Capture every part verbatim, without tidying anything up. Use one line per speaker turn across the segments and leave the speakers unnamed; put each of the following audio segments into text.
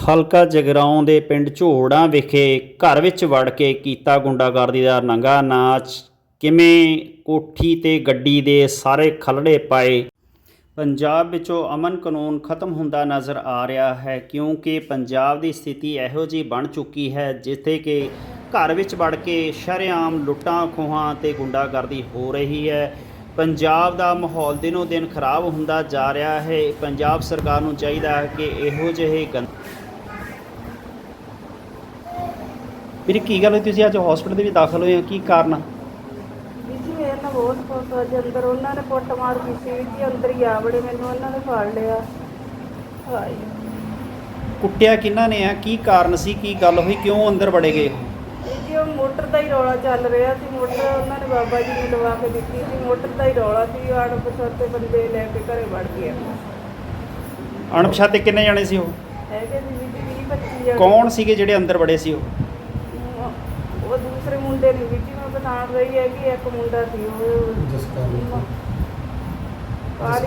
ਹਲਕਾ ਜਗਰਾਉਂ ਦੇ ਪਿੰਡ ਝੋੜਾਂ ਵਿਖੇ ਘਰ ਵਿੱਚ ਵੜ ਕੇ ਕੀਤਾ ਗੁੰਡਾਗਰਦੀ ਦਾ ਨੰਗਾ ਨਾਚ। ਕਿਵੇਂ ਕੋਠੀ ਤੇ ਗੱਡੀ ਦੇ ਸਾਰੇ ਖਲੜੇ ਪਾਏ। ਪੰਜਾਬ ਵਿੱਚੋਂ ਅਮਨ ਕਾਨੂੰਨ ਖਤਮ ਹੁੰਦਾ ਨਜ਼ਰ ਆ ਰਿਹਾ ਹੈ, ਕਿਉਂਕਿ ਪੰਜਾਬ ਦੀ ਸਥਿਤੀ ਇਹੋ ਜਿਹੀ ਬਣ ਚੁੱਕੀ ਹੈ ਜਿੱਥੇ ਕਿ ਘਰ ਵਿੱਚ ਵੜ ਕੇ ਸ਼ਰੇਆਮ ਲੁੱਟਾਂ ਖੋਹਾਂ ਤੇ ਗੁੰਡਾਗਰਦੀ ਹੋ ਰਹੀ ਹੈ। ਪੰਜਾਬ ਦਾ ਮਾਹੌਲ ਦਿਨੋਂ ਦਿਨ ਖਰਾਬ ਹੁੰਦਾ ਜਾ ਰਿਹਾ ਹੈ। ਪੰਜਾਬ ਸਰਕਾਰ ਨੂੰ ਚਾਹੀਦਾ ਹੈ ਕਿ ਇਹੋ ਜਿਹੇ ਗੰ ਵੀਰੇ ਕੀ ਗੱਲ ਹੋਈ, ਤੁਸੀਂ ਅੱਜ ਹਸਪੀਟਲ ਦੇ ਵਿੱਚ ਦਾਖਲ ਹੋਏ ਹੋ, ਕੀ ਕਾਰਨ ਆ?
ਜੀ ਮੇਰੇ ਨਾਲ ਬਹੁਤ ਕੁਛ ਅੱਜ ਅੰਦਰ ਉਹਨਾਂ ਨੇ ਕੁੱਟ ਮਾਰ ਕੀਤੀ ਜੀ, ਅੰਦਰ ਹੀ ਆ ਬੜੇ ਮੈਨੂੰ ਉਹਨਾਂ ਨੇ ਫੜ ਲਿਆ। ਹਾਏ
ਕੁੱਟਿਆ ਕਿਹਨਾਂ ਨੇ ਆ, ਕੀ ਕਾਰਨ ਸੀ, ਕੀ ਗੱਲ ਹੋਈ, ਕਿਉਂ ਅੰਦਰ ਵੜੇ ਗਏ?
ਜੀ ਉਹ ਮੋਟਰ ਦਾ ਹੀ ਰੌਲਾ ਚੱਲ ਰਿਹਾ ਸੀ। ਮੋਟਰ ਉਹਨਾਂ ਨੇ ਬਾਬਾ ਜੀ ਨੇ ਲਵਾ ਕੇ ਦਿੱਤੀ ਸੀ, ਮੋਟਰ ਦਾ ਹੀ ਰੌਲਾ ਸੀ। ਅਣਪਛਾਤੇ ਬੰਦੇ ਲੈ ਕੇ ਘਰੇ ਵੜ ਗਏ।
ਅਣਪਛਾਤੇ ਕਿੰਨੇ ਜਾਣੇ ਸੀ ਉਹ?
ਹੈਗੇ ਸੀ ਜੀ ਵੀਹ ਪੱਚੀ ਜਣੇ।
ਕੌਣ ਸੀਗੇ ਜਿਹੜੇ ਅੰਦਰ ਵੜੇ ਸੀ ਉਹ?
ਉਹ ਦੂਸਰੇ ਮੁੰਡੇ ਨੇ ਵੀ ਮੈਂ ਪਛਾਣ ਰਹੀ ਹੈ ਕਿ ਇੱਕ ਮੁੰਡਾ ਸੀ ਉਹ
ਜਸਕਾਰੀ
ਕਾਲੀ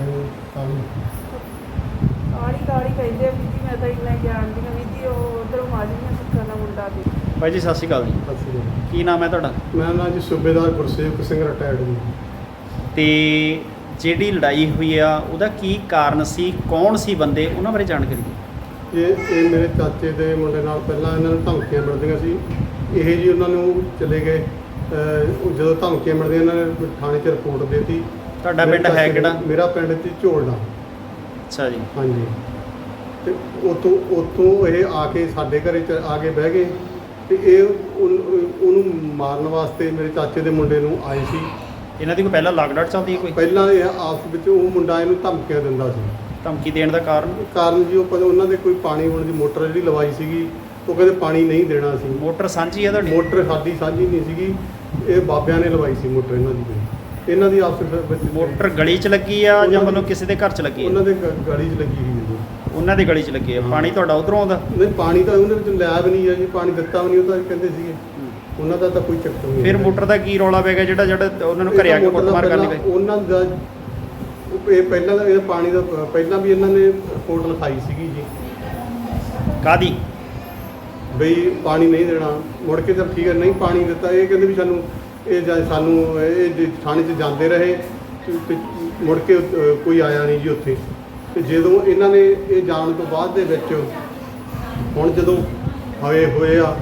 ਕਾਲੀ ਕਾਲੀ ਕਹਿੰਦੇ ਵੀ ਜੀ, ਮੈਂ ਤਾਂ ਇੰਨਾ ਜਾਣਦੀ ਹਾਂ ਵੀ ਜੀ ਉਹ ਉਧਰੋਂ ਮਾਜੀਆਂ ਸਿੱਖਾਂ ਦਾ ਮੁੰਡਾ ਸੀ।
ਭਾਈ ਜੀ ਸਤਿ ਸ਼੍ਰੀ ਅਕਾਲ ਜੀ,
ਅਸੀਂ
ਕੀ ਨਾਮ ਹੈ ਤੁਹਾਡਾ?
ਮੈਂ ਨਾ ਜੀ ਸੂਬੇਦਾਰ ਗੁਰਸੇਵਕ ਸਿੰਘ ਰਿਟਾਇਰਡ ਜੀ।
ਤੇ ਜਿਹੜੀ ਲੜਾਈ ਹੋਈ ਆ ਉਹਦਾ ਕੀ ਕਾਰਨ ਸੀ, ਕੌਣ ਸੀ ਬੰਦੇ, ਉਹਨਾਂ ਬਾਰੇ ਜਾਣਕਾਰੀ ਦਿਓ।
ਇਹ ਇਹ ਮੇਰੇ ਚਾਚੇ ਦੇ ਮੁੰਡੇ ਨਾਲ ਪਹਿਲਾਂ ਇਹਨਾਂ ਨੂੰ ਧਮਕੀਆਂ ਮਿਲਦੀਆਂ ਸੀ। ਇਹ ਜੀ ਉਹਨਾਂ ਨੂੰ ਚਲੇ ਗਏ। ਅਹ ਜਦੋਂ ਧਮਕੀਆਂ ਮਿਲਦੀਆਂ ਇਹਨਾਂ ਨੇ ਥਾਣੇ 'ਚ ਰਿਪੋਰਟ ਦੇ ਦਿੱਤੀ।
ਤੁਹਾਡਾ ਪਿੰਡ ਹੈ ਕਿਹੜਾ?
ਮੇਰਾ ਪਿੰਡ ਸੀ ਝੋਲਣਾ।
ਅੱਛਾ ਜੀ।
ਹਾਂਜੀ, ਤੇ ਉੱਥੋਂ ਉੱਥੋਂ ਇਹ ਆ ਕੇ ਸਾਡੇ ਘਰੇ 'ਚ ਆ ਕੇ ਬਹਿ ਗਏ ਤੇ ਇਹ ਉਹਨ- ਉਹਨੂੰ ਮਾਰਨ ਵਾਸਤੇ ਮੇਰੇ ਚਾਚੇ ਦੇ ਮੁੰਡੇ ਨੂੰ ਆਏ ਸੀ।
ਇਹਨਾਂ ਦੀ ਕੋਈ ਪਹਿਲਾਂ ਲਾਗਡਾਟ ਚੱਲਦੀ ਹੈ ਕੋਈ?
ਪਹਿਲਾਂ ਇਹ ਆਪਸ ਵਿੱਚ ਉਹ ਮੁੰਡਾ ਇਹਨੂੰ ਧਮਕੀਆਂ ਦਿੰਦਾ ਸੀ।
ਧਮਕੀ ਦੇਣ ਦਾ ਕਾਰਨ?
ਕਾਰਨ ਜੀ ਉਹ ਪਤਾ ਉਹਨਾਂ ਦੇ ਕੋਈ ਪਾਣੀ ਹੋਣ ਦੀ ਮੋਟਰ ਜਿਹੜੀ ਲਵਾਈ ਸੀਗੀ, ਉਹ ਕਹਿੰਦੇ ਪਾਣੀ ਨਹੀਂ ਦੇਣਾ ਸੀ।
ਮੋਟਰ ਸਾਂਝੀ ਹੈ ਤੁਹਾਡੀ?
ਮੋਟਰ ਸਾਡੀ ਸਾਂਝੀ ਨਹੀਂ ਸੀਗੀ, ਇਹ ਬਾਬਿਆਂ ਨੇ ਲਵਾਈ ਸੀ ਮੋਟਰ ਇਹਨਾਂ ਦੀ ਕੋਈ। ਇਹਨਾਂ ਦੀ ਆਪਸ ਵਿੱਚ
ਮੋਟਰ ਗਲੀ 'ਚ ਲੱਗੀ ਆ ਜਾਂ ਮਤਲਬ ਕਿਸੇ ਦੇ ਘਰ 'ਚ ਲੱਗੀ
ਉਹਨਾਂ
ਹੈ?
ਦੇ ਗ- ਗਲੀ 'ਚ ਲੱਗੀ ਹੋਈ ਹੈ ਜੀ।
ਉਹਨਾਂ ਦੀ ਗਲੀ 'ਚ ਲੱਗੀ ਹੈ।
ਹਾਂ।
ਪਾਣੀ ਤੁਹਾਡਾ ਉਧਰੋਂ ਆਉਂਦਾ?
ਨਹੀਂ, ਪਾਣੀ ਤਾਂ ਉਹਨੇ ਵਿੱਚ ਲਿਆ ਵੀ ਨਹੀਂ ਹੈ ਜੀ, ਪਾਣੀ ਦਿੱਤਾ ਵੀ ਨਹੀਂ। ਉਹ ਤਾਂ ਕਹਿੰਦੇ ਸੀਗੇ ਉਹਨਾਂ ਦਾ ਤਾਂ ਕੋਈ ਚੱਕਰ ਨਹੀਂ।
ਫਿਰ ਮੋਟਰ ਦਾ ਕੀ ਰੌਲਾ ਪੈ ਗਿਆ ਜਿਹੜਾ ਜਿਹੜਾ ਉਹਨਾਂ ਨੂੰ ਘਰੇ ਆ ਕੇ ਕੁੱਟਮਾਰ ਕਰਨੀ ਪਈ?
ਉਹਨਾਂ ਦਾ ਉਹ ਇਹ ਪਹਿਲਾਂ ਦਾ ਇਹ ਪਾਣੀ ਦਾ ਪਹਿਲਾਂ ਵੀ ਇਹਨਾਂ ਨੇ ਰਿਪੋਰਟ ਲਿਖਾਈ ਸੀਗੀ ਜੀ,
ਕਾਦੀ?
ਬਈ ਪਾਣੀ ਨਹੀਂ ਦੇਣਾ। ਮੁੜ ਕੇ ਤਾਂ ਠੀਕ ਹੈ ਨਹੀਂ ਪਾਣੀ ਦਿੱਤਾ। ਇਹ ਕਹਿੰਦੇ ਵੀ ਸਾਨੂੰ ਇਹ ਜਾਂ ਸਾਨੂੰ ਇਹ ਜੇ ਥਾਣੇ 'ਚ ਜਾਂਦੇ ਰਹੇ ਤੇ- ਤੇ ਮੁੜ ਕੇ ਅ, ਕੋਈ ਆਇਆ ਨਹੀਂ ਜੀ ਉੱਥੇ। ਤੇ ਜਦੋਂ ਇਹਨਾਂ ਨੇ ਇਹ ਜਾਣ ਤੋਂ ਬਾਅਦ ਦੇ ਵਿੱਚ ਹੁਣ ਜਦੋਂ ਹੋਏ ਹੋਏ ਆ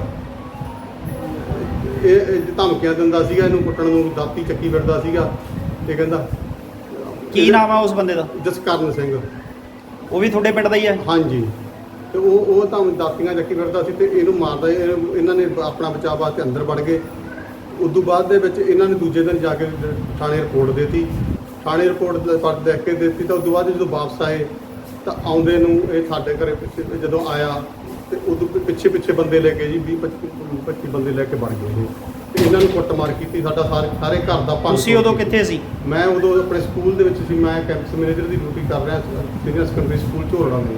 ਇਹ ਇਹ ਧਮਕੀਆਂ ਦਿੰਦਾ ਸੀਗਾ, ਇਹਨੂੰ ਕੁੱਟਣ ਨੂੰ ਦਾਤੀ ਚੱਕੀ ਫਿਰਦਾ ਸੀਗਾ। ਇਹ ਕਹਿੰਦਾ
ਕੀ ਨਾਮ ਆ ਉਸ ਬੰਦੇ ਦਾ?
ਜਸਕਰਨ ਸਿੰਘ।
ਉਹ ਵੀ ਤੁਹਾਡੇ ਪਿੰਡ ਦਾ ਹੀ ਹੈ?
ਹਾਂਜੀ, ਤੇ ਉਹ ਉਹ ਤਾਂ ਦਾਤੀਆਂ ਚੱਕੀ ਫਿਰਦਾ ਸੀ ਤੇ ਇਹਨੂੰ ਮਾਰਦਾ। ਇਹਨੂੰ- ਇਹਨਾਂ ਨੇ ਆਪਣਾ ਬਚਾਅ ਵਾਸਤੇ ਅੰਦਰ ਵੜ ਗਏ। ਉਸ ਤੋਂ ਬਾਅਦ ਦੇ ਵਿੱਚ ਇਹਨਾਂ ਨੇ ਦੂਜੇ ਦਿਨ ਜਾ ਕੇ ਥਾਣੇ ਰਿਪੋਰਟ ਦੇ ਦਿੱਤੀ। ਥਾਣੇ ਰਿਪੋਰਟ ਦੇਖ ਕੇ ਦੇ ਦਿੱਤੀ ਤਾਂ ਉਸ ਤੋਂ ਬਾਅਦ ਜਦੋਂ ਵਾਪਸ ਆਏ ਤਾਂ ਆਉਂਦੇ ਨੂੰ ਇਹ ਸਾਡੇ ਘਰੇ ਪਿੱਛੇ ਜਦੋਂ ਆਇਆ ਤੇ ਉਦੋਂ ਪਿੱਛੇ ਪਿੱਛੇ ਬੰਦੇ ਲੈ ਕੇ ਜੀ ਵੀਹ ਪੱਚੀ ਬੰਦੇ ਲੈ ਕੇ ਵੜ ਗਏ ਜੀ। ਤੇ ਇਹਨਾਂ ਨੂੰ ਕੁੱਟਮਾਰ ਕੀਤੀ। ਸਾਡਾ ਸਾਰੇ ਸਾਰੇ ਘਰ ਦਾ ਭੰਨ।
ਤੁਸੀਂ ਉਦੋਂ ਕਿੱਥੇ ਸੀ?
ਮੈਂ ਉਦੋਂ ਆਪਣੇ ਸਕੂਲ ਦੇ ਵਿੱਚ ਸੀ। ਮੈਂ ਕੈਂਪਸ ਮੈਨੇਜਰ ਦੀ ਡਿਊਟੀ ਕਰ ਰਿਹਾ ਸੀ ਸੀਨੀਅਰ ਸੈਕੰਡਰੀ ਸਕੂਲ ਝੋਲਣਾ ਦੇ।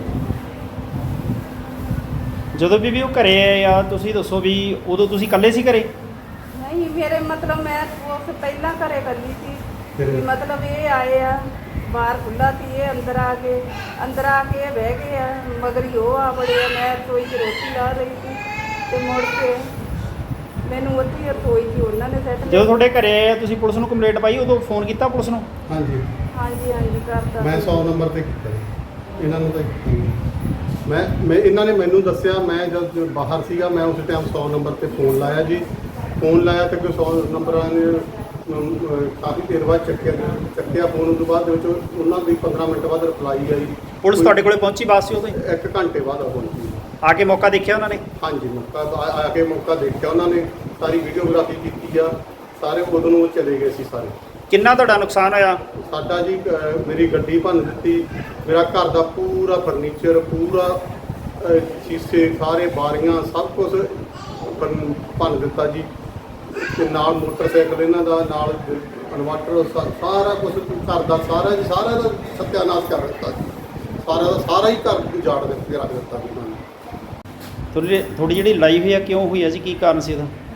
ਜਦੋਂ ਵੀ ਵੀ ਉਹ ਘਰੇ ਆਏ ਆ, ਤੁਸੀਂ ਦੱਸੋ ਵੀ ਉਦੋਂ ਤੁਸੀਂ ਇਕੱਲੇ ਸੀ ਘਰੇ?
ਨਹੀਂ ਮੇਰੇ ਮਤਲਬ ਮੈਂ ਉਸ ਪਹਿਲਾਂ ਘਰੇ ਕੱਲੀ ਸੀ
ਫਿਰ?
ਵੀ ਮਤਲਬ ਇਹ ਆਏ ਆ, ਬਾਹਰ ਖੁੱਲ੍ਹਾ ਸੀ, ਇਹ ਅੰਦਰ ਆ ਕੇ ਅੰਦਰ ਆ ਕੇ ਇਹ ਬਹਿ ਗਏ ਆ, ਮਗਰ ਹੀ ਉਹ ਆ ਬੜੇ ਆ। ਮੈਂ ਰਸੋਈ 'ਚ ਰੋਟੀ ਲਾ ਰਹੀ ਸੀ ਤੇ ਮੁੜ ਕੇ ਮੈਨੂੰ ਉੱਥੇ ਹੀ ਰਸੋਈ 'ਚ ਉਹਨਾਂ ਨੇ ਸੈੱਟ
ਜਦੋਂ ਤੁਹਾਡੇ ਘਰੇ ਆਏ ਆ ਤੁਸੀਂ ਪੁਲਿਸ ਨੂੰ ਕੰਪਲੇਂਟ ਪਾਈ, ਉਦੋਂ ਫੋਨ ਕੀਤਾ ਪੁਲਿਸ ਨੂੰ?
ਹਾਂਜੀ,
ਹਾਂਜੀ ਹਾਂਜੀ ਕਰਤਾ।
ਮੈਂ ਸੌ ਨੰਬਰ ਤੇ ਕੀਤਾ ਜੀ। ਇਹਨਾਂ ਨੂੰ ਤਾਂ ਕੀਤਾ ਨਹੀਂ। ਮੈਂ ਮੈਂ ਇਹਨਾਂ ਨੇ ਮੈਨੂੰ ਦੱਸਿਆ। ਮੈਂ ਜਦ ਬਾਹਰ ਸੀਗਾ ਮੈਂ ਉਸ ਟਾਈਮ ਸੌ ਨੰਬਰ ਤੇ ਫੋਨ ਲਾਇਆ ਜੀ। ਫੋਨ ਲਾਇਆ ਤੇ ਕੋਈ ਸੌ ਨੰਬਰਾਂ ਨੇ ਅਮ, ਅਹ, ਕਾਫੀ ਦੇਰ ਬਾਅਦ ਚੱਕਿਆ ਚੱਕਿਆ ਫੋਨ। ਉਸ ਤੋਂ ਬਾਅਦ ਦੇ ਵਿੱਚ ਉਹਨਾਂ ਦੀ ਪੰਦਰਾਂ ਮਿੰਟ ਬਾਅਦ ਰਿਪਲਾਈ ਆਈ।
ਪੁਲਿਸ ਤੁਹਾਡੇ ਕੋਲੇ ਪਹੁੰਚੀ ਬਾਅਦ ਸੀ ਉਦੋਂ ਹੀ?
ਇੱਕ ਘੰਟੇ ਬਾਅਦ ਆ ਪਹੁੰਚੀ।
ਆ ਕੇ ਮੌਕਾ ਦੇਖਿਆ ਉਹਨਾਂ ਨੇ?
ਹਾਂਜੀ, ਮੌਕਾ ਆ ਆ ਕੇ ਮੌਕਾ ਦੇਖਿਆ ਉਹਨਾਂ ਨੇ। ਸਾਰੀ ਵੀਡੀਓਗ੍ਰਾਫੀ ਕੀਤੀ ਆ। ਸਾਰੇ ਉਦੋਂ ਨੂੰ ਚਲੇ ਗਏ ਸੀ ਸਾਰੇ।
ਕਿੰਨਾ ਤੁਹਾਡਾ ਨੁਕਸਾਨ ਹੋਇਆ?
ਸਾਡਾ ਜੀ ਅਹ, ਮੇਰੀ ਗੱਡੀ ਭੰਨ ਦਿੱਤੀ। ਮੇਰਾ ਘਰ ਦਾ ਪੂਰਾ ਫਰਨੀਚਰ, ਪੂਰਾ ਅਹ, ਸ਼ੀਸ਼ੇ, ਸਾਰੇ ਬਾਰੀਆਂ, ਸਭ ਕੁਝ ਭੰਨ ਭੰਨ ਦਿੱਤਾ ਜੀ। ਤੇ ਨਾਲ ਮੋਟਰਸਾਈਕਲ ਇਹਨਾਂ ਦਾ, ਨਾਲ ਇਨਵਰਟਰ, ਸਾਰਾ ਕੁਝ ਘਰ ਦਾ ਸਾਰਾ ਜੀ ਸਾਰਾ ਦਾ ਸਤਿਆਨਾਸ਼ ਕਰ ਦਿੱਤਾ ਜੀ। ਸਾਰਾ ਦਾ ਸਾਰਾ ਹੀ ਘਰ ਉਜਾੜ ਦਿੱਤੇ ਰੱਖ ਦਿੱਤਾ ਜੀ ਉਹਨਾਂ ਨੇ।
ਤੁਹਾਡੀ ਤੁਹਾਡੀ ਜਿਹੜੀ ਲੜਾਈ ਹੋਈ ਆ ਕਿਉਂ ਹੋਈ ਆ ਜੀ, ਕੀ ਕਾਰਨ ਸੀ ਉਹਦਾ?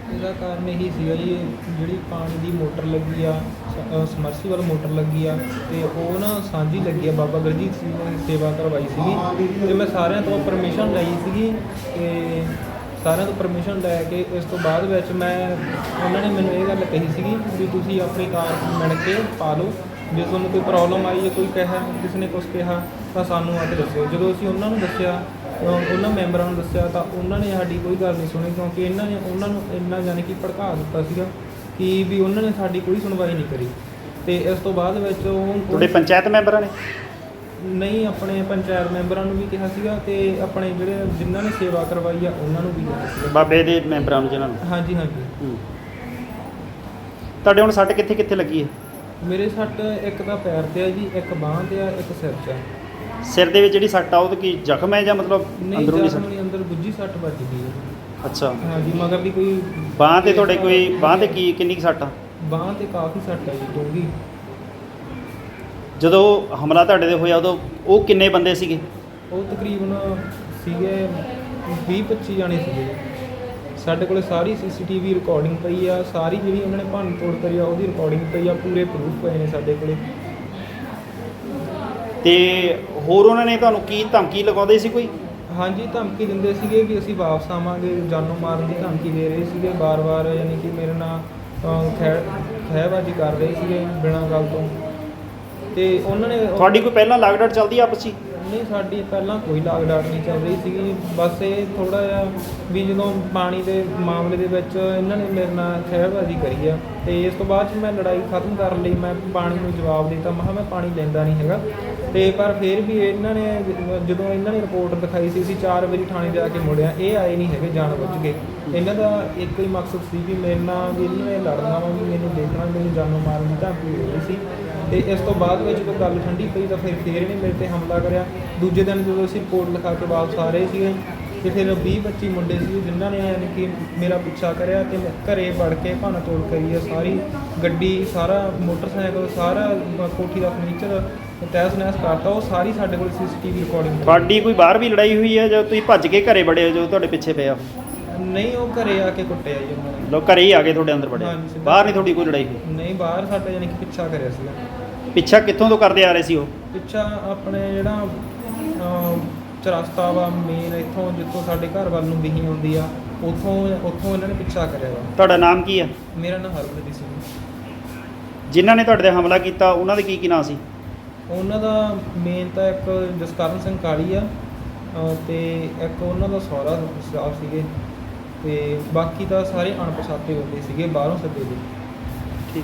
ਇਹਦਾ ਕਾਰਨ ਇਹੀ ਸੀਗਾ ਜੀ, ਜਿਹੜੀ ਪਾਣੀ ਦੀ ਮੋਟਰ ਲੱਗੀ ਆ, ਸਮਰਸੀਬਲ ਮੋਟਰ ਲੱਗੀ ਆ, ਤੇ ਉਹ ਨਾ ਸਾਂਝੀ ਲੱਗੀ ਆ, ਬਾਬਾ ਗੁਰਜੀਤ ਸਿੰਘ ਨੇ ਸੇਵਾ ਕਰਵਾਈ ਸੀਗੀ, ਤੇ ਮੈਂ ਸਾਰਿਆਂ ਤੋਂ ਪਰਮਿਸ਼ਨ ਲਈ ਸੀਗੀ, ਤੇ ਸਾਰਿਆਂ ਤੋਂ ਪਰਮਿਸ਼ਨ ਲੈ ਕੇ ਇਸ ਤੋਂ ਬਾਅਦ ਵਿੱਚ ਮੈਂ ਉਹਨਾਂ ਨੇ ਮੈਨੂੰ ਇਹ ਗੱਲ ਕਹੀ ਸੀਗੀ ਵੀ ਤੁਸੀਂ ਆਪਣੀ ਕਾਰ ਮਿਣ ਕੇ ਪਾ ਲਓ, ਜੇ ਤੁਹਾਨੂੰ ਕੋਈ ਪ੍ਰੋਬਲਮ ਆਈ ਜਾਂ ਕੋਈ ਕਿਹਾ ਕਿਸੇ ਨੇ ਕੁਛ ਕਿਹਾ ਤਾਂ ਸਾਨੂੰ ਆ ਕੇ ਦੱਸਿਓ। ਜਦੋਂ ਅਸੀਂ ਉਹਨਾਂ ਨੂੰ ਦੱਸਿਆ, ਉਹਨਾਂ ਮੈਂਬਰਾਂ ਨੂੰ ਦੱਸਿਆ, ਤਾਂ ਉਹਨਾਂ ਨੇ ਸਾਡੀ ਕੋਈ ਗੱਲ ਨਹੀਂ ਸੁਣੀ, ਕਿਉਂਕਿ ਇਹਨਾਂ ਨੇ ਉਹਨਾਂ ਨੂੰ ਇੰਨਾ ਯਾਨੀ ਕਿ ਭੜਕਾ ਦਿੱਤਾ ਸੀਗਾ ਕਿ ਵੀ ਉਹਨਾਂ ਨੇ ਸਾਡੀ ਕੋਈ ਸੁਣਵਾਈ ਨਹੀਂ ਕਰੀ। ਤੇ ਇਸ ਤੋਂ ਬਾਅਦ ਵਿੱਚ ਉਹ
ਤੁਹਾਡੇ ਪੰਚਾਇਤ ਮੈਂਬਰਾਂ ਨੇ?
ਨਹੀਂ, ਆਪਣੇ ਪੰਚਾਇਤ ਮੈਂਬਰਾਂ ਨੂੰ ਵੀ ਕਿਹਾ ਸੀਗਾ, ਤੇ ਆਪਣੇ ਜਿਹੜੇ ਜਿਨ੍ਹਾਂ ਨੇ ਸੇਵਾ ਕਰਵਾਈ ਆ ਉਹਨਾਂ ਨੂੰ ਵੀ ਕਿਹਾ ਸੀਗਾ,
ਬਾਬੇ ਦੇ ਮੈਂਬਰਾਂ ਨੂੰ ਜਿਹਨਾਂ ਨੂੰ?
ਹਾਂਜੀ ਹਾਂਜੀ।
ਹੂੰ। ਤੁਹਾਡੇ ਹੁਣ ਸੱਟ ਕਿੱਥੇ ਕਿੱਥੇ ਲੱਗੀ ਹੈ?
ਮੇਰੇ ਸੱਟ ਇੱਕ ਤਾਂ ਪੈਰ ਤੇ ਆ ਜੀ, ਇੱਕ ਬਾਂਹ ਤੇ ਆ, ਇੱਕ ਸਿਰ 'ਚ ਆ।
ਸਿਰ ਦੇ ਵਿੱਚ ਜਿਹੜੀ ਸੱਟ ਆ ਉਹ ਤਾਂ ਕੀ ਜ਼ਖਮ ਹੈ ਜਾਂ ਮਤਲਬ
ਨਹੀਂ,
ਅੰਦਰੂਨੀ
ਜ਼ਖਮ
ਸੱਟ?
ਨਹੀਂ, ਅੰਦਰ ਗੁੱਜੀ ਸੱਟ ਵੱਜ ਗਈ ਹੈ।
ਅੱਛਾ।
ਹਾਂਜੀ, ਮਗਰ ਦੀ ਕੋਈ
ਬਾਂਹ ਤੇ ਤੁਹਾਡੇ ਕੋਈ ਬਾਂਹ ਤੇ ਕੀ ਕਿੰਨੀ ਕੁ ਸੱਟ ਆ?
ਬਾਂਹ ਤੇ ਕਾਫੀ ਸੱਟ ਹੈ ਜੀ, ਡੂੰਘੀ।
ਜਦੋਂ ਹਮਲਾ ਤੁਹਾਡੇ ਤੇ ਹੋਇਆ ਉਦੋਂ ਉਹ ਕਿੰਨੇ ਬੰਦੇ ਸੀਗੇ?
ਉਹ ਤਕਰੀਬਨ ਸੀਗੇ ਵੀਹ ਪੱਚੀ ਜਾਣੇ ਸੀਗੇ। ਸਾਡੇ ਕੋਲ ਸਾਰੀ ਸੀ ਸੀ ਟੀ ਵੀ ਰਿਕਾਰਡਿੰਗ ਪਈ ਆ, ਸਾਰੀ ਜਿਹੜੀ ਉਹਨਾਂ ਨੇ ਭੰਨ ਤੋੜ ਕਰੀ ਆ ਉਹਦੀ ਰਿਕਾਰਡਿੰਗ ਪਈ ਆ, ਪੂਰੇ ਪ੍ਰੂਫ ਪਏ ਨੇ ਸਾਡੇ ਕੋਲੇ।
ਤੇ ਹੋਰ ਉਹਨਾਂ ਨੇ ਤੁਹਾਨੂੰ ਕੀ ਧਮਕੀ ਲਗਾਉਂਦੇ ਸੀ ਕੋਈ?
ਹਾਂਜੀ, ਧਮਕੀ ਦਿੰਦੇ ਸੀਗੇ ਵੀ ਅਸੀਂ ਵਾਪਸ ਆਵਾਂਗੇ, ਜਾਨੋਂ ਮਾਰਨ ਦੀ ਧਮਕੀ ਦੇ ਰਹੇ ਸੀਗੇ ਬਾਰ-ਬਾਰ, ਯਾਨੀ ਕਿ ਮੇਰੇ ਨਾਲ ਖੈ ਖਹਿਬਾਜ਼ੀ ਕਰ ਰਹੇ ਸੀਗੇ ਬਿਨਾਂ ਗੱਲ ਤੋਂ। ਤੇ ਉਹਨਾਂ ਨੇ
ਤੁਹਾਡੀ ਕੋਈ ਪਹਿਲਾਂ ਲਾਗਡਾਟ ਚੱਲਦੀ ਆਪਸ 'ਚ ਹੀ?
ਨਹੀਂ, ਸਾਡੀ ਪਹਿਲਾਂ ਕੋਈ ਲਾਗ ਡਾਟ ਨਹੀਂ ਚੱਲ ਰਹੀ ਸੀਗੀ, ਬਸ ਇਹ ਥੋੜ੍ਹਾ ਜਿਹਾ ਵੀ ਜਦੋਂ ਪਾਣੀ ਦੇ ਮਾਮਲੇ ਦੇ ਵਿੱਚ ਇਹਨਾਂ ਨੇ ਮੇਰੇ ਨਾਲ ਖਹਿਬਾਜ਼ੀ ਕਰੀ ਆ, ਤੇ ਇਸ ਤੋਂ ਬਾਅਦ 'ਚ ਮੈਂ ਲੜਾਈ ਖਤਮ ਕਰਨ ਲਈ ਮੈਂ ਪਾਣੀ ਨੂੰ ਜਵਾਬ ਦਿੱਤਾ, ਮੈਂ ਕਿਹਾ ਮੈਂ ਪਾਣੀ ਲੈਂਦਾ ਨਹੀਂ ਹੈਗਾ। ਤੇ ਪਰ ਫਿਰ ਵੀ ਇਹਨਾਂ ਨੇ ਜਦੋਂ ਇਹਨਾਂ ਨੇ ਰਿਪੋਰਟ ਦਿਖਾਈ ਸੀ, ਅਸੀਂ ਚਾਰ ਵਜੇ ਥਾਣੇ ਜਾ ਕੇ ਮੁੜਿਆ, ਇਹ ਆਏ ਨਹੀਂ ਹੈਗੇ ਜਾਣ ਬੁੱਝ ਕੇ। ਇਹਨਾਂ ਦਾ ਇੱਕ ਹੀ ਮਕਸਦ ਸੀ ਵੀ ਮੇਰੇ ਨਾਲ ਵੀ ਇਹਨਾਂ ਨੇ ਲੜਨਾ ਵਾ, ਵੀ ਮੈਨੂੰ ਦੇਖਣਾ, ਮੈਨੂੰ ਜਾਨੋਂ ਮਾਰਨ ਦੀ ਧਮਕੀ ਦੇ ਰਹੀ ਸੀ। ਤੇ ਇਸ ਤੋਂ ਬਾਅਦ ਵਿੱਚ ਜਦੋਂ ਗੱਲ ਠੰਡੀ ਪਈ ਤਾਂ ਫਿਰ ਫਿਰ ਇਹਨੇ ਮੇਰੇ 'ਤੇ ਹਮਲਾ ਕਰਿਆ। ਦੂਜੇ ਦਿਨ ਜਦੋਂ ਅਸੀਂ ਰਿਪੋਰਟ ਲਿਖਾ ਕੇ ਵਾਪਸ ਆ ਰਹੇ ਸੀਗੇ, ਤੇ ਫਿਰ ਵੀਹ ਪੱਚੀ ਮੁੰਡੇ ਸੀ ਜਿਨ੍ਹਾਂ ਨੇ ਯਾਨੀ ਕਿ ਮੇਰਾ ਪਿੱਛਾ ਕਰਿਆ, ਤੇ ਘਰੇ ਵੜ ਕੇ ਭੰਨ ਤੋੜ ਕਰੀ ਆ, ਸਾਰੀ ਗੱਡੀ, ਸਾਰਾ ਮੋਟਰਸਾਈਕਲ, ਸਾਰਾ ਕੋਠੀ ਦਾ ਫਰਨੀਚਰ ਤਹਿਸ ਨਹਿਸ ਕਰਤਾ। ਉਹ ਸਾਰੀ ਸਾਡੇ ਕੋਲ ਸੀ ਸੀ ਟੀ ਵੀ ਰਿਕਾਰਡਿੰਗ।
ਤੁਹਾਡੀ ਕੋਈ ਬਾਹਰ ਵੀ ਲੜਾਈ ਹੋਈ ਹੈ ਜਦੋਂ ਤੁਸੀਂ ਭੱਜ ਕੇ ਘਰੇ ਵੜੇ ਹੋ, ਜੋ ਤੁਹਾਡੇ ਪਿੱਛੇ ਪਿਆ?
ਨਹੀਂ, ਉਹ ਘਰੇ ਆ ਕੇ ਕੁੱਟਿਆ ਜੀ ਉਹਨਾਂ ਨੇ।
ਲੋਕ ਘਰੇ ਹੀ ਆ ਕੇ ਤੁਹਾਡੇ ਅੰਦਰ ਵੜੇ?
ਹਾਂਜੀ, ਸਿੱਧਾ।
ਬਾਹਰ ਨਹੀਂ ਤੁਹਾਡੀ ਕੋਈ ਲੜਾਈ ਹੋਈ?
ਨਹੀਂ, ਬਾਹਰ ਸਾਡਾ ਯਾਨੀ ਕਿ ਪਿੱਛਾ ਕਰਿਆ ਸੀਗਾ।
ਪਿੱਛਾ ਕਿੱਥੋਂ ਤੋਂ ਕਰਦੇ ਆ ਰਹੇ ਸੀ ਉਹ?
ਪਿੱਛਾ ਆਪਣੇ ਜਿਹੜਾ ਅਹ, ਚਰਸਤਾ ਵਾ ਮੇਨ, ਇੱਥੋਂ ਜਿੱਥੋਂ ਸਾਡੇ ਘਰ ਵੱਲ ਨੂੰ ਵਿਹੀ ਆਉਂਦੀ ਆ, ਉੱਥੋਂ ਉੱਥੋਂ ਇਹਨਾਂ ਨੇ ਪਿੱਛਾ ਕਰਿਆ ਵਾ।
ਤੁਹਾਡਾ ਨਾਮ ਕੀ ਆ?
ਮੇਰਾ ਨਾਮ ਹਰਪ੍ਰੀਤ ਸਿੰਘ।
ਜਿਨ੍ਹਾਂ ਨੇ ਤੁਹਾਡੇ ਤੇ ਹਮਲਾ ਕੀਤਾ ਉਹਨਾਂ ਦੇ ਕੀ ਕੀ ਨਾਂ ਸੀ?
ਉਹਨਾਂ ਦਾ ਮੇਨ ਤਾਂ ਇੱਕ ਜਸਕਰਨ ਸਿੰਘ ਕਾਲੀ ਆ, ਅਹ, ਤੇ ਇੱਕ ਉਹਨਾਂ ਦਾ ਸਹੁਰਾ ਸਾਹਿਬ ਸੀਗੇ, ਤੇ ਬਾਕੀ ਤਾਂ ਸਾਰੇ ਅਣਪਛਾਤੇ ਹੁੰਦੇ ਸੀਗੇ, ਬਾਹਰੋਂ ਸੱਦੇ ਦੇ।
ਠੀਕ।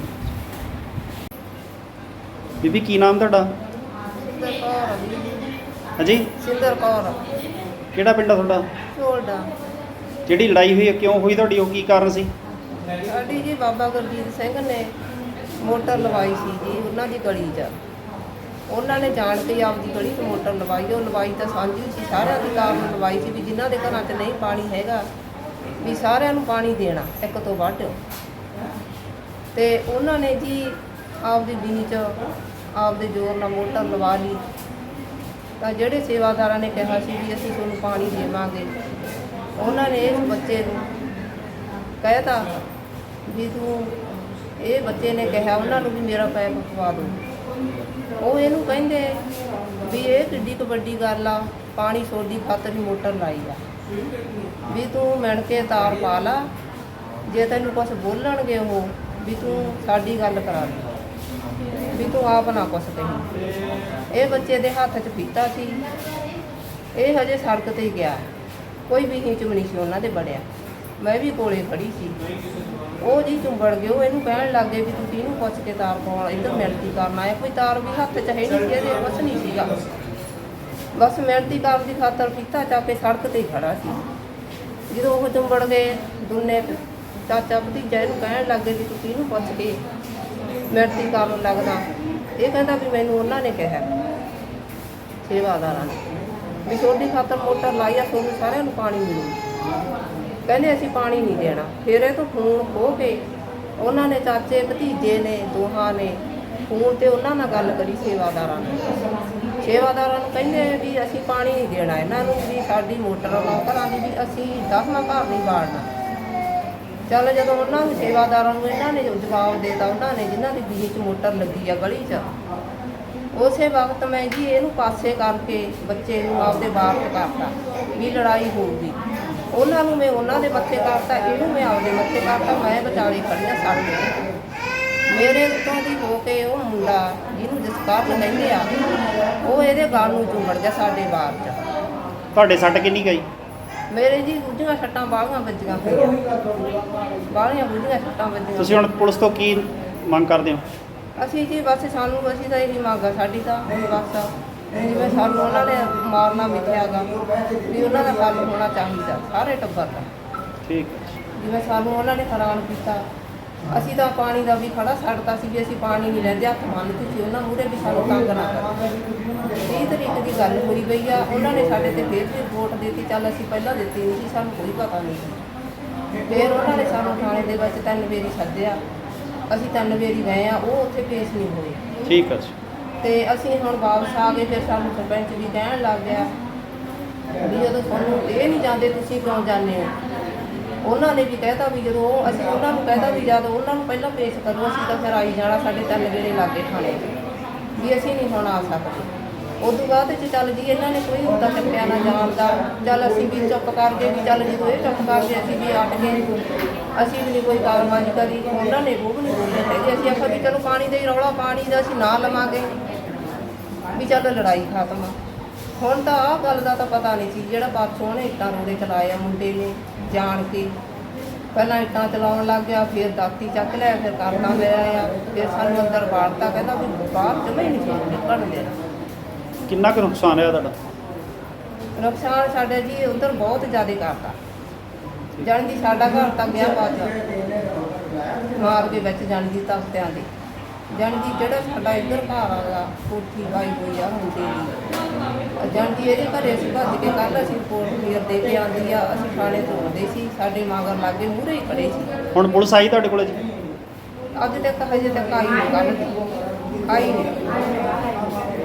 ਬੀਬੀ ਕੀ ਨਾਮ ਤੁਹਾਡਾ?
ਸਿੰਦਰ ਕੌਰ।
ਹਾਂਜੀ,
ਸਿੰਦਰ ਕੌਰ,
ਕਿਹੜਾ ਪਿੰਡ ਆ ਤੁਹਾਡਾ?
ਝੋਲਡਾ।
ਜਿਹੜੀ ਲੜਾਈ ਹੋਈ ਹੈ ਕਿਉਂ ਹੋਈ ਤੁਹਾਡੀ, ਉਹ ਕੀ ਕਾਰਨ ਸੀ?
ਸਾਡੀ ਜੀ ਬਾਬਾ ਗੁਰਜੀਤ ਸਿੰਘ ਨੇ ਮੋਟਰ ਲਵਾਈ ਸੀ ਜੀ ਉਹਨਾਂ ਦੀ ਗਲੀ 'ਚ। ਉਹਨਾਂ ਨੇ ਜਾਣ ਕੇ ਆਪਦੀ ਗਲੀ 'ਚ ਮੋਟਰ ਲਵਾਈ। ਉਹ ਲਵਾਈ ਤਾਂ ਸਾਂਝੀ ਸੀ, ਸਾਰਿਆਂ ਦੀ ਕਾਰ ਨੂੰ ਲਵਾਈ ਸੀ ਵੀ ਜਿਨ੍ਹਾਂ ਦੇ ਘਰਾਂ 'ਚ ਨਹੀਂ ਪਾਣੀ ਹੈਗਾ ਵੀ ਸਾਰਿਆਂ ਨੂੰ ਪਾਣੀ ਦੇਣਾ ਇੱਕ ਤੋਂ ਵੱਧ। ਤੇ ਉਹਨਾਂ ਨੇ ਜੀ ਆਪਦੀ ਬੀਨੀ 'ਚ ਆਪਦੇ ਜ਼ੋਰ ਨਾਲ ਮੋਟਰ ਲਵਾ ਲਈ। ਤਾਂ ਜਿਹੜੇ ਸੇਵਾਦਾਰਾਂ ਨੇ ਕਿਹਾ ਸੀ ਵੀ ਅਸੀਂ ਤੁਹਾਨੂੰ ਪਾਣੀ ਦੇਵਾਂਗੇ, ਉਹਨਾਂ ਨੇ ਇਸ ਬੱਚੇ ਨੂੰ ਕਹਿਤਾ ਵੀ ਤੂੰ, ਇਹ ਬੱਚੇ ਨੇ ਕਿਹਾ ਉਹਨਾਂ ਨੂੰ ਵੀ ਮੇਰਾ ਪੈਪ ਪਵਾ ਦਿਓ। ਉਹ ਇਹਨੂੰ ਕਹਿੰਦੇ ਵੀ ਇਹ ਕਿੱਡੀ ਕੁ ਵੱਡੀ ਗੱਲ ਆ, ਪਾਣੀ ਸੋਡੀ ਖਾਤਰ ਹੀ ਮੋਟਰ ਲਾਈ ਆ, ਵੀ ਤੂੰ ਮਿਣ ਕੇ ਤਾਰ ਪਾ ਲਾ, ਜੇ ਤੈਨੂੰ ਕੁਛ ਬੋਲਣਗੇ ਉਹ ਵੀ ਤੂੰ ਸਾਡੀ ਗੱਲ ਕਰਾ ਦੇ, ਵੀ ਤੂੰ ਆਪ ਨਾ ਕੁਛ ਕਹੀਂ। ਇਹ ਬੱਚੇ ਦੇ ਹੱਥ 'ਚ ਫੀਤਾ ਸੀ, ਇਹ ਹਜੇ ਸੜਕ 'ਤੇ ਹੀ ਗਿਆ, ਕੋਈ ਵੀ ਹੀਚ ਵੀ ਨਹੀਂ ਸੀ ਉਹਨਾਂ ਦੇ ਬੜਿਆ। ਮੈਂ ਵੀ ਕੋਲੇ ਖੜੀ ਸੀ, ਉਹ ਜੀ ਚੁੰਬੜ ਗਏ। ਉਹ ਇਹਨੂੰ ਕਹਿਣ ਲੱਗ ਗਏ ਵੀ ਤੂੰ ਕਿਹਨੂੰ ਪੁੱਛ ਕੇ ਤਾਰ ਪਾਉਣ ਇੱਧਰ ਮਿਹਨਤੀ ਕਰਨ ਆਇਆ, ਕੋਈ ਤਾਰ ਵੀ ਹੱਥ 'ਚ ਹੈ ਨਹੀਂ ਸੀ ਇਹਦੇ, ਕੁਛ ਨਹੀਂ ਸੀਗਾ, ਬਸ ਮਿਹਨਤੀ ਕਰਨ ਦੀ ਖਾਤਰ ਫੀਤਾ ਚੱਕ ਕੇ ਸੜਕ 'ਤੇ ਹੀ ਖੜਾ ਸੀ। ਜਦੋਂ ਉਹ ਚੁੰਬੜ ਗਏ ਦੋਨੇ ਚਾਚਾ ਭਤੀਜਾ ਇਹਨੂੰ ਕਹਿਣ ਲੱਗ ਗਏ ਵੀ ਤੂੰ ਕਿਹਨੂੰ ਪੁੱਛ ਕੇ ਮਿਹਨਤੀ ਕਰਨ ਲੱਗਦਾ। ਇਹ ਕਹਿੰਦਾ ਵੀ ਮੈਨੂੰ ਉਹਨਾਂ ਨੇ ਕਿਹਾ ਸੇਵਾਦਾਰਾਂ ਨੇ ਵੀ ਤੁਹਾਡੀ ਖਾਤਰ ਮੋਟਰ ਲਾਈ ਆ, ਤੁਹਾਨੂੰ ਸਾਰਿਆਂ ਨੂੰ ਪਾਣੀ ਮਿਲੂ। ਕਹਿੰਦੇ ਅਸੀਂ ਪਾਣੀ ਨਹੀਂ ਦੇਣਾ। ਫਿਰ ਇਹ ਤੋਂ ਫੋਨ ਖੋਹ ਕੇ ਉਹਨਾਂ ਨੇ ਚਾਚੇ ਭਤੀਜੇ ਨੇ ਦੋਹਾਂ ਨੇ ਫੋਨ 'ਤੇ ਉਹਨਾਂ ਨਾਲ ਗੱਲ ਕਰੀ ਸੇਵਾਦਾਰਾਂ ਨੇ। ਸੇਵਾਦਾਰਾਂ ਨੂੰ ਕਹਿੰਦੇ ਵੀ ਅਸੀਂ ਪਾਣੀ ਨਹੀਂ ਦੇਣਾ ਇਹਨਾਂ ਨੂੰ, ਵੀ ਸਾਡੀ ਮੋਟਰ ਲਾਓ ਘਰਾਂ ਦੀ, ਵੀ ਅਸੀਂ ਦਸਵਾਂ ਘਰ ਨਹੀਂ ਬਾੜਨਾ। ਚੱਲ ਜਦੋਂ ਉਹਨਾਂ ਨੂੰ ਸੇਵਾਦਾਰਾਂ ਨੂੰ ਇਹਨਾਂ ਨੇ ਜਵਾਬ ਦੇਤਾ, ਉਹਨਾਂ ਨੇ ਜਿਨ੍ਹਾਂ ਦੀ ਬਿਜਲੀ 'ਚ ਮੋਟਰ ਲੱਗੀ ਆ ਗਲੀ 'ਚ, ਉਸੇ ਵਕਤ ਮੈਂ ਜੀ ਇਹਨੂੰ ਪਾਸੇ ਕਰਕੇ ਬੱਚੇ ਨੂੰ ਆਪਦੇ ਬਾਹਰ ਕਰਤਾ ਵੀ ਲੜਾਈ ਹੋਊਗੀ। ਉਹਨਾਂ ਨੂੰ ਮੈਂ ਉਹਨਾਂ ਦੇ ਮੱਥੇ ਕਰਤਾ, ਇਹਨੂੰ ਮੈਂ ਆਪਦੇ ਮੱਥੇ ਕਰਤਾ। ਮੈਂ ਵਿਚਾਲੇ ਖੜੀ ਹਾਂ ਸੜਕ ਤੇ, ਮੇਰੇ ਉੱਤੋਂ ਦੀ ਹੋ ਕੇ ਉਹ ਮੁੰਡਾ ਜਿਹਨੂੰ ਜਸਕਰਨ ਕਹਿੰਦੇ ਆ, ਉਹ ਇਹਦੇ ਗਲ ਨੂੰ ਚੁੰਬੜ ਗਿਆ ਸਾਡੇ ਬਾਹਰ 'ਚ।
ਤੁਹਾਡੇ ਸੱਟ ਕਿੰਨੀ ਗਈ?
ਮੇਰੇ ਜੀ ਗੁੱਝੀਆਂ ਸੱਟਾਂ ਬਾਹਲੀਆਂ ਵੱਜੀਆਂ ਹੋਈਆਂ, ਬਾਹਲੀਆਂ ਗੁੱਝੀਆਂ ਸੱਟਾਂ ਵੱਜੀਆਂ।
ਤੁਸੀਂ ਹੁਣ ਪੁਲਿਸ ਤੋਂ ਕੀ ਮੰਗ ਕਰਦੇ ਹੋ?
ਅਸੀਂ ਜੀ ਬਸ ਸਾਨੂੰ ਅਸੀਂ ਤਾਂ ਇਹੀ ਮੰਗ ਆ ਸਾਡੀ ਤਾਂ ਬਸ, ਜਿਵੇਂ ਸਾਨੂੰ ਉਹਨਾਂ ਨੇ ਮਾਰਨਾ ਮਿੱਥਿਆ ਗਾ ਵੀ ਉਹਨਾਂ ਦਾ ਹੱਲ ਹੋਣਾ ਚਾਹੀਦਾ ਸਾਰੇ ਟੱਬਰ ਦਾ।
ਠੀਕ।
ਜਿਵੇਂ ਸਾਨੂੰ ਉਹਨਾਂ ਨੇ ਹੈਰਾਨ ਕੀਤਾ, ਅਸੀਂ ਤਾਂ ਪਾਣੀ ਦਾ ਵੀ ਖੜਾ ਛੱਡਤਾ ਸੀ ਵੀ ਅਸੀਂ ਪਾਣੀ ਨਹੀਂ ਲੈਂਦੇ, ਹੱਥ ਮੰਨਦੇ ਸੀ ਉਹਨਾਂ ਮੂਹਰੇ ਵੀ ਸਾਨੂੰ ਤੰਗ ਨਾ ਕਰੋ। ਤੀਹ ਤਰੀਕ ਦੀ ਗੱਲ ਹੋਈ ਪਈ ਆ, ਉਹਨਾਂ ਨੇ ਸਾਡੇ ਤੇ ਫਿਰ ਵੀ ਰਿਪੋਰਟ ਦਿੱਤੀ। ਚੱਲ ਅਸੀਂ ਪਹਿਲਾਂ ਦਿੱਤੀ ਨਹੀਂ ਸੀ, ਸਾਨੂੰ ਕੋਈ ਪਤਾ ਨਹੀਂ ਸੀ। ਫਿਰ ਉਹਨਾਂ ਨੇ ਸਾਨੂੰ ਥਾਣੇ ਦੇ ਵਿੱਚ ਤਿੰਨ ਵਾਰੀ ਸੱਦਿਆ, ਅਸੀਂ ਤਿੰਨ ਵਾਰੀ ਗਏ ਆ, ਉਹ ਉੱਥੇ ਪੇਸ਼ ਨਹੀਂ ਹੋਏ।
ਠੀਕ ਹੈ ਜੀ।
ਤੇ ਅਸੀਂ ਹੁਣ ਵਾਪਸ ਆ ਗਏ। ਫਿਰ ਸਾਨੂੰ ਸਰਪੰਚ ਵੀ ਕਹਿਣ ਲੱਗ ਗਿਆ ਵੀ ਜਦੋਂ ਤੁਹਾਨੂੰ ਇਹ ਨਹੀਂ ਜਾਂਦੇ ਤੁਸੀਂ ਕਿਉਂ ਜਾਂਦੇ ਹੋ। ਉਹਨਾਂ ਨੇ ਵੀ ਕਹਿਤਾ ਵੀ ਜਦੋਂ ਅਸੀਂ ਉਹਨਾਂ ਨੂੰ ਕਹਿਤਾ ਵੀ ਜਦ ਉਹਨਾਂ ਨੂੰ ਪਹਿਲਾਂ ਪੇਸ਼ ਕਰੋ ਅਸੀਂ ਤਾਂ ਫਿਰ ਆਈ ਜਾਣਾ, ਸਾਡੇ ਤਿੰਨ ਵੇਲੇ ਲਾਗੇ ਥਾਣੇ ਵੀ ਅਸੀਂ ਨਹੀਂ ਹੁਣ ਆ ਸਕਦੇ। ਉਸ ਤੋਂ ਬਾਅਦ 'ਚ ਚੱਲ ਜੀ ਇਹਨਾਂ ਨੇ ਕੋਈ ਹੁੰਦਾ ਚੱਕਿਆ ਨਾ ਜਾਣ ਦਾ, ਚੱਲ ਅਸੀਂ ਵੀ ਚੁੱਪ ਕਰ ਗਏ ਵੀ ਚੱਲ ਜਦੋਂ ਇਹ ਚੁੱਪ ਕਰ ਗਏ ਅਸੀਂ ਵੀ ਅੱਟ ਗਏ, ਅਸੀਂ ਵੀ ਨਹੀਂ ਕੋਈ ਕਾਰਵਾਈ ਕਰੀ। ਉਹਨਾਂ ਨੇ ਉਹ ਵੀ ਨਹੀਂ ਬੋਲੇ ਹੈਗੇ। ਅਸੀਂ ਆਖਿਆ ਵੀ ਚਲੋ ਪਾਣੀ ਦਾ ਹੀ ਰੌਲਾ, ਪਾਣੀ ਦਾ ਅਸੀਂ ਨਾ ਲਵਾਂਗੇ ਵੀ ਚੱਲ ਲੜਾਈ ਖਤਮ। ਹੁਣ ਤਾਂ ਆਹ ਗੱਲ ਦਾ ਤਾਂ ਪਤਾ ਨਹੀਂ ਸੀ, ਜਿਹੜਾ ਪਰਸੋਂ ਉਹਨੇ ਇੱਟਾਂ ਰੋੜੇ ਚਲਾਏ ਆ ਮੁੰਡੇ ਨੇ ਜਾਣ ਕੇ, ਪਹਿਲਾਂ ਇੱਟਾਂ ਚਲਾਉਣ ਲੱਗ ਗਿਆ, ਫਿਰ ਦਾਤੀ ਚੱਕ ਲਿਆ, ਫਿਰ ਕਰਨਾ ਲਿਆ ਆ, ਫਿਰ ਸਾਨੂੰ ਅੰਦਰ ਵਾੜਤਾ, ਕਹਿੰਦਾ ਵੀ ਬਾਹਰ ਜਮਾ ਹੀ ਨਹੀਂ ਸਾਨੂੰ ਨਿਕਲਣ ਦੇਣਾ।
ਕਿੰਨਾ ਕੁ ਨੁਕਸਾਨ ਹੋਇਆ ਤੁਹਾਡਾ?
ਨੁਕਸਾਨ ਸਾਡਾ ਜੀ ਉੱਧਰ ਬਹੁਤ ਜ਼ਿਆਦਾ ਕਰਤਾ, ਜਾਣੀ ਦੀ ਸਾਡਾ ਘਰ ਤਾਂ ਗਿਆ ਬਾਅਦ ਮਾਰ ਕੇ ਵਿੱਚ ਜਾਣੀ ਦੀ ਤਖਤਿਆਂ ਦੇ, ਜਾਣੀ ਦੀ ਜਿਹੜਾ ਸਾਡਾ ਇੱਧਰ ਘਰ ਆਗਾ ਕੋਠੀ ਪਾਈ ਹੋਈ ਆ ਮੁੰਡੇ ਦੀ, ਜਾਣੀ ਦੀ ਇਹਦੇ ਘਰੇ ਅਸੀਂ ਭੱਜ ਕੇ ਕੱਲ੍ਹ ਅਸੀਂ ਰਿਪੋਰਟ ਕਲੀਅਰ ਦੇ ਕੇ ਆਉਂਦੀ ਆ, ਅਸੀਂ ਥਾਣੇ ਤੋਂ ਆਉਂਦੇ ਸੀ, ਸਾਡੇ ਮਗਰ ਲਾਗੇ ਮੂਹਰੇ ਹੀ ਖੜੇ ਸੀ।
ਹੁਣ ਪੁਲਿਸ ਆਈ ਤੁਹਾਡੇ ਕੋਲ ਜੀ?
ਅੱਜ ਤੱਕ ਹਜੇ ਤੱਕ ਆਈ ਨਹੀਂ, ਕੱਲ੍ਹ ਆਈ ਨਹੀਂ।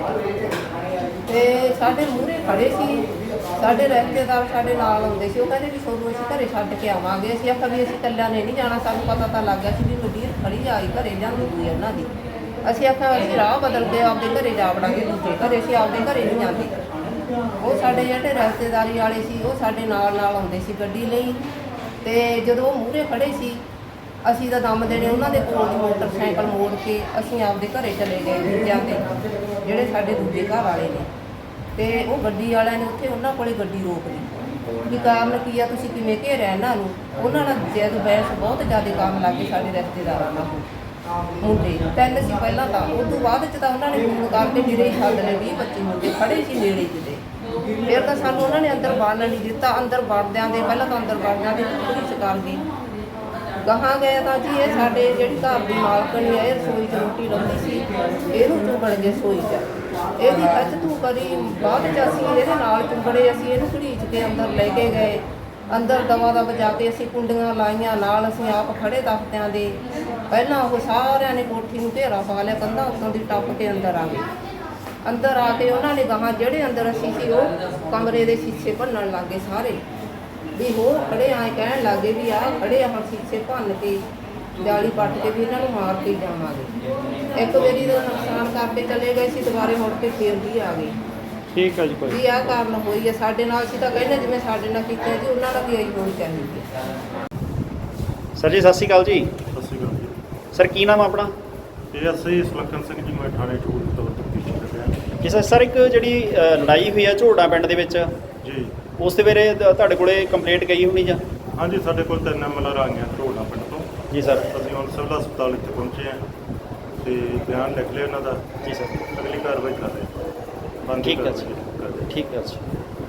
ਤੇ ਸਾਡੇ ਮੂਹਰੇ ਖੜੇ ਸੀ, ਸਾਡੇ ਰਿਸ਼ਤੇਦਾਰ ਸਾਡੇ ਨਾਲ ਆਉਂਦੇ ਸੀ, ਉਹ ਕਹਿੰਦੇ ਵੀ ਤੁਹਾਨੂੰ ਅਸੀਂ ਘਰੇ ਛੱਡ ਕੇ ਆਵਾਂਗੇ। ਅਸੀਂ ਆਖਿਆ ਵੀ ਅਸੀਂ ਇਕੱਲਿਆਂ ਨੇ ਨਹੀਂ ਜਾਣਾ, ਸਾਨੂੰ ਪਤਾ ਤਾਂ ਲੱਗ ਗਿਆ ਸੀ ਵੀ ਗੱਡੀ ਖੜੀ ਆਈ ਘਰੇ ਜਾਂਦੀ ਹੋਈ ਉਹਨਾਂ ਦੀ। ਅਸੀਂ ਆਖਿਆ ਅਸੀਂ ਰਾਹ ਬਦਲ ਕੇ ਆਪਦੇ ਘਰੇ ਜਾ ਵੜਾਂਗੇ, ਦੂਜੇ ਘਰੇ ਅਸੀਂ ਆਪਦੇ ਘਰੇ ਨਹੀਂ ਜਾਂਦੇ। ਉਹ ਸਾਡੇ ਜਿਹੜੇ ਰਿਸ਼ਤੇਦਾਰੀ ਵਾਲੇ ਸੀ ਉਹ ਸਾਡੇ ਨਾਲ ਨਾਲ ਆਉਂਦੇ ਸੀ ਗੱਡੀ ਲਈ, ਤੇ ਜਦੋਂ ਉਹ ਮੂਹਰੇ ਖੜੇ ਸੀ ਅਸੀਂ ਤਾਂ ਦਮ ਦੇਣੇ ਉਹਨਾਂ ਦੇ ਕੋਲ ਮੋਟਰਸਾਈਕਲ ਮੋੜ ਕੇ ਅਸੀਂ ਆਪਦੇ ਘਰੇ ਚਲੇ ਗਏ ਦੂਜਿਆਂ ਦੇ, ਜਿਹੜੇ ਸਾਡੇ ਦੂਜੇ ਘਰ ਵਾਲੇ ਨੇ। ਤੇ ਉਹ ਗੱਡੀ ਵਾਲਿਆਂ ਨੇ ਉੱਥੇ ਉਹਨਾਂ ਕੋਲੇ ਗੱਡੀ ਰੋਕ ਲਈ ਵੀ ਕਾਰਨ ਕੀ ਆ, ਤੁਸੀਂ ਕਿਵੇਂ ਘੇਰਿਆ ਇਹਨਾਂ ਨੂੰ। ਉਹਨਾਂ ਨਾਲ ਜਦ ਬਹਿਸ ਬਹੁਤ ਜ਼ਿਆਦਾ ਕੰਮ ਲੱਗ ਗਏ ਸਾਡੇ ਰਿਸ਼ਤੇਦਾਰਾਂ ਨਾਲ ਮੁੰਡੇ ਤਿੰਨ ਸੀ ਪਹਿਲਾਂ ਤਾਂ, ਉਸ ਤੋਂ ਬਾਅਦ 'ਚ ਤਾਂ ਉਹਨਾਂ ਨੇ ਫੋਨ ਕਰਕੇ ਮੇਰੇ ਹੀ ਸੱਦ ਲਏ, ਵੀਹ ਪੱਚੀ ਮੁੰਡੇ ਖੜੇ ਸੀ ਨੇੜੇ ਕਿਤੇ। ਫਿਰ ਤਾਂ ਸਾਨੂੰ ਉਹਨਾਂ ਨੇ ਅੰਦਰ ਵੜਨ ਨਹੀਂ ਦਿੱਤਾ, ਅੰਦਰ ਵੜਦਿਆਂ ਦੇ ਪਹਿਲਾਂ ਤਾਂ ਅੰਦਰ ਵੜਦਿਆਂ ਦੇ ਪੁਲਿਸ ਕਰ ਗਈ। ਗਾਹਾਂ ਗਏ ਤਾਂ ਜੀ ਇਹ ਸਾਡੇ ਜਿਹੜੀ ਘਰ ਦੀ ਮਾਲਕਣੀ ਹੈ, ਇਹ ਰਸੋਈ 'ਚ ਰੋਟੀ ਲਾਉਂਦੀ ਸੀ, ਇਹਨੂੰ ਚੁੰਬੜ ਗਏ ਰਸੋਈ 'ਚ, ਇਹਦੀ ਖੱਚ ਤੂੰ ਕਰੀ। ਬਾਅਦ 'ਚ ਅਸੀਂ ਇਹਦੇ ਨਾਲ ਚੁੰਬੜੇ, ਅਸੀਂ ਇਹਨੂੰ ਘੜੀਚ ਕੇ ਅੰਦਰ ਲੈ ਕੇ ਗਏ। ਅੰਦਰ ਦਵਾ ਦਾ ਵਜਾ ਕੇ ਅਸੀਂ ਕੁੰਡੀਆਂ ਲਾਈਆਂ, ਨਾਲ ਅਸੀਂ ਆਪ ਖੜੇ ਤਖਤਿਆਂ ਦੇ। ਪਹਿਲਾਂ ਉਹ ਸਾਰਿਆਂ ਨੇ ਕੋਠੀ ਨੂੰ ਘੇਰਾ ਪਾ ਲਿਆ, ਕੰਧਾਂ ਉੱਤੋਂ ਦੀ ਟੱਪ ਕੇ ਅੰਦਰ ਆ ਗਏ। ਅੰਦਰ ਆ ਕੇ ਉਹਨਾਂ ਨੇ ਗਾਹਾਂ ਜਿਹੜੇ ਅੰਦਰ ਅਸੀਂ ਸੀ ਉਹ ਕਮਰੇ ਦੇ ਸ਼ੀਸ਼ੇ ਭੰਨਣ ਲੱਗ ਗਏ ਸਾਰੇ, ਵੀ ਹੋਰ ਖੜੇ ਆਏ ਕਹਿਣ ਲੱਗੇ ਵੀ ਆਹ ਖੜੇ ਆ ਸ਼ੀਸ਼ੇ ਭੰਨ ਕੇ ਜਾਲੀ ਪੱਟ ਕੇ ਵੀ ਇਹਨਾਂ ਨੂੰ ਮਾਰ ਕੇ ਜਾਵਾਂਗੇ। ਇੱਕ ਵਾਰੀ ਦਾ ਨੁਕਸਾਨ ਕਰਕੇ ਚਲੇ ਗਏ ਸੀ, ਦੁਬਾਰੇ ਮੁੜ ਕੇ ਫੇਰ ਵੀ ਆ ਗਏ।
ਠੀਕ ਹੈ ਜੀ। ਕੋਈ
ਵੀ ਆਹ ਕਾਰਨ ਹੋਈ ਹੈ ਸਾਡੇ ਨਾਲ। ਅਸੀਂ ਤਾਂ ਕਹਿੰਦੇ ਜਿਵੇਂ ਸਾਡੇ ਨਾਲ ਕੀਤਾ ਜੀ ਉਹਨਾਂ ਨਾਲ ਵੀ ਇਹੀ ਹੋਣੀ ਚਾਹੀਦੀ ਹੈ।
ਸਰ ਜੀ ਸਤਿ ਸ਼੍ਰੀ ਅਕਾਲ ਜੀ।
ਸਤਿ ਸ਼੍ਰੀ ਅਕਾਲ ਜੀ।
ਸਰ ਕੀ ਨਾਮ ਆਪਣਾ?
ਇਹ ਅਸੀਂ ਸੁਲੱਖਣ ਸਿੰਘ ਜੀ, ਮੈਂ ਥਾਣੇ ਚੋਣ ਤੋਂ ਤਫਤੀਸ਼ ਕਰ ਰਿਹਾ
ਜੀ। ਸਰ ਸਰ ਇੱਕ ਜਿਹੜੀ ਅ, ਲੜਾਈ ਹੋਈ ਆ ਝੋੜਾ ਪਿੰਡ ਦੇ ਵਿੱਚ,
ਜੀ।
ਉਸ ਦੇ ਵੇਲੇ ਤ- ਤੁਹਾਡੇ ਕੋਲੇ ਕੰਪਲੇਂਟ ਗਈ ਹੋਣੀ ਜਾਂ?
ਹਾਂਜੀ, ਸਾਡੇ ਕੋਲ ਤਿੰਨ ਐਮਐਲਆਰ ਆ ਗਈਆਂ ਢੋਲਾ ਪਿੰਡ ਤੋਂ।
ਜੀ ਸਰ।
ਅਸੀਂ ਹੁਣ ਸਿਵਲ ਹਸਪਤਾਲ ਇੱਥੇ ਪਹੁੰਚੇ ਹਾਂ ਤੇ ਬਿਆਨ ਲਿਖ ਲਿਆ ਉਹਨਾਂ ਦਾ।
ਜੀ ਸਰ।
ਅਗਲੀ ਕਾਰਵਾਈ ਕਰ ਰਹੇ ਹਾਂ। ਬਣਦੀ
ਠੀਕ ਹੈ ਜੀ।
ਕਾਰਵਾਈ ਕਰ ਰਹੇ ਹਾਂ।
ਠੀਕ ਹੈ ਜੀ।